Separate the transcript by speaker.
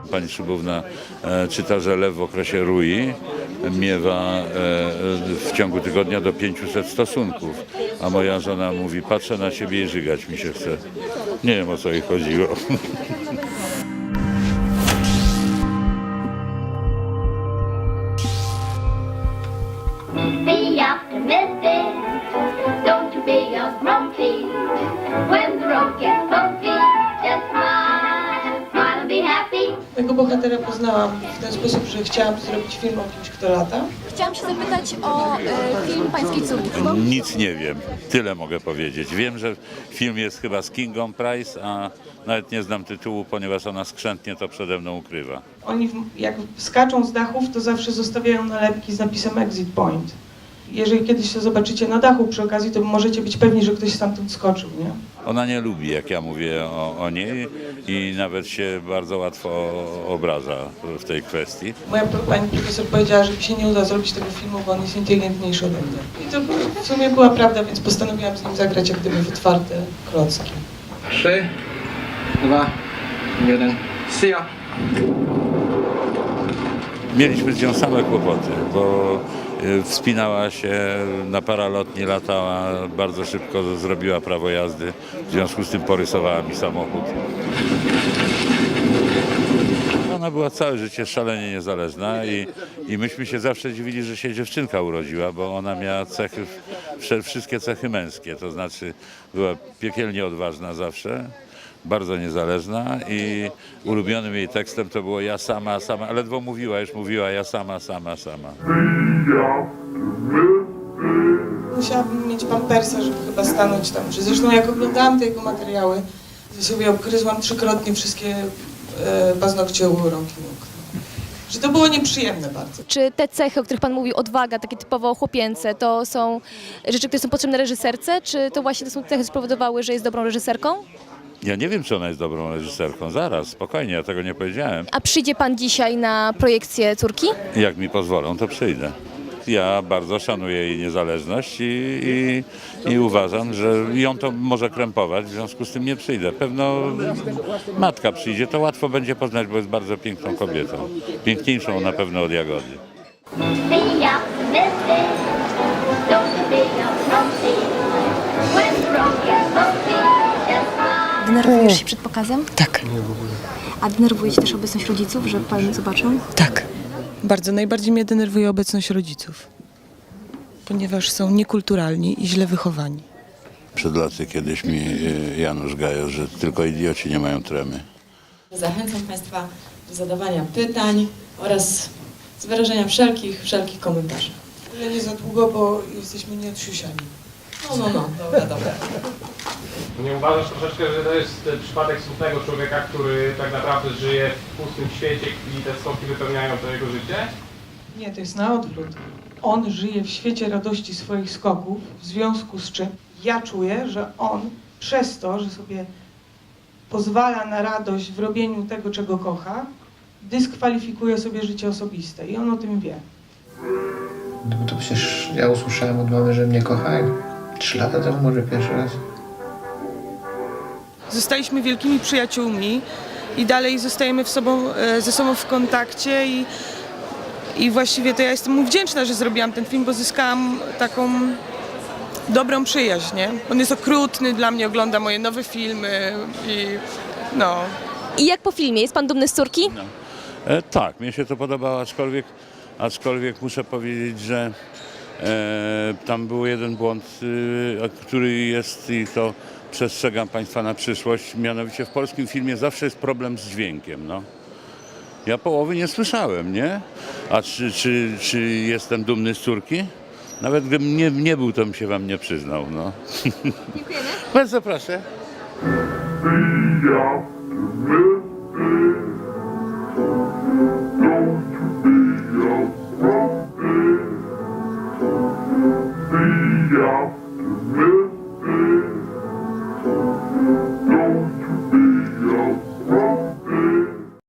Speaker 1: Pani Szybówna czyta, że lew w okresie rui miewa w ciągu tygodnia do 500 stosunków, a moja żona mówi, patrzę na siebie i żygać mi się chce. Nie wiem, o co jej chodziło.
Speaker 2: Be optimistic, don't you be a grumpy. When the road gets bumpy, just smile, smile and be happy.
Speaker 3: Mojego bohatera poznałam w ten sposób, że chciałam zrobić film o kimś, kto lata.
Speaker 4: Chciałam się zapytać o film Pańskiej córki.
Speaker 1: Nic nie wiem, tyle mogę powiedzieć. Wiem, że film jest chyba z Kingą Price, a nawet nie znam tytułu, ponieważ ona skrzętnie to przede mną ukrywa.
Speaker 3: Oni jak skaczą z dachów, to zawsze zostawiają nalepki z napisem Exit Point. Jeżeli kiedyś to zobaczycie na dachu przy okazji, to możecie być pewni, że ktoś stamtąd skoczył, nie?
Speaker 1: Ona nie lubi, jak ja mówię o niej i nawet się bardzo łatwo obraża w tej kwestii.
Speaker 3: Moja pani profesor powiedziała, że mi się nie uda zrobić tego filmu, bo on jest inteligentniejszy ode mnie. I to w sumie była prawda, więc postanowiłam z nim zagrać jak gdyby w otwarte klocki.
Speaker 5: 3, 2, 1. See ya!
Speaker 1: Mieliśmy z nią same kłopoty, bo wspinała się na paralotni, latała, bardzo szybko zrobiła prawo jazdy, w związku z tym porysowała mi samochód. Ona była całe życie szalenie niezależna i myśmy się zawsze dziwili, że się dziewczynka urodziła, bo ona miała cechy, wszystkie cechy męskie, to znaczy była piekielnie odważna zawsze, bardzo niezależna i ulubionym jej tekstem to było ja sama, sama, ledwo mówiła, już mówiła ja sama, sama, sama.
Speaker 3: Musiałabym mieć pampersa, żeby chyba stanąć tam. Że zresztą jak oglądałam te jego materiały, to sobie obgryzłam 3-krotnie wszystkie paznokcie u rąk i nóg. Że to było nieprzyjemne bardzo.
Speaker 4: Czy te cechy, o których Pan mówił, odwaga, takie typowo chłopięce, to są rzeczy, które są potrzebne reżyserce? Czy to właśnie te są cechy spowodowały, że jest dobrą reżyserką?
Speaker 1: Ja nie wiem, czy ona jest dobrą reżyserką, zaraz, spokojnie, ja tego nie powiedziałem.
Speaker 4: A przyjdzie Pan dzisiaj na projekcję córki?
Speaker 1: Jak mi pozwolą, to przyjdę. Ja bardzo szanuję jej niezależność i uważam, że ją to może krępować, w związku z tym nie przyjdę. Pewno matka przyjdzie, to łatwo będzie poznać, bo jest bardzo piękną kobietą. Piękniejszą na pewno od Jagody.
Speaker 2: Be optimistic, don't you be a grumpy. When the road gets bumpy, just smile.
Speaker 4: Denerwujesz się przed pokazem?
Speaker 3: Tak,
Speaker 4: A denerwuje Cię też obecność rodziców, że Pan zobaczą?
Speaker 3: tak. Bardzo. Najbardziej mnie denerwuje obecność rodziców, ponieważ są niekulturalni i źle wychowani.
Speaker 1: Przed laty kiedyś mi Janusz gajał, że tylko idioci nie mają tremy.
Speaker 6: Zachęcam Państwa do zadawania pytań oraz z wyrażenia wszelkich komentarzy.
Speaker 3: Ale nie za długo, bo jesteśmy nieodsiusiani.
Speaker 6: No, dobra.
Speaker 7: Nie uważasz troszeczkę, że to jest przypadek smutnego człowieka, który tak naprawdę żyje w pustym świecie i te skoki wypełniają to jego życie?
Speaker 3: Nie, to jest na odwrót. On żyje w świecie radości swoich skoków, w związku z czym ja czuję, że on przez to, że sobie pozwala na radość w robieniu tego, czego kocha, dyskwalifikuje sobie życie osobiste i on o tym wie.
Speaker 5: No bo to przecież ja usłyszałem od mamy, że mnie kocha 3 lata temu, może pierwszy raz.
Speaker 3: Zostaliśmy wielkimi przyjaciółmi i dalej zostajemy ze sobą w kontakcie i właściwie to ja jestem mu wdzięczna, że zrobiłam ten film, bo zyskałam taką dobrą przyjaźń, nie? On jest okrutny dla mnie, ogląda moje nowe filmy i no.
Speaker 4: I jak po filmie? Jest Pan dumny z córki?
Speaker 1: Tak, mnie się to podobało, aczkolwiek muszę powiedzieć, że tam był jeden błąd, który jest i to przestrzegam Państwa na przyszłość, mianowicie w polskim filmie zawsze jest problem z dźwiękiem, no. Ja połowy nie słyszałem, nie? A czy jestem dumny z córki? Nawet gdybym nie był, to bym się Wam nie przyznał, no. Dziękujemy. Bardzo proszę.
Speaker 2: Be optimistic.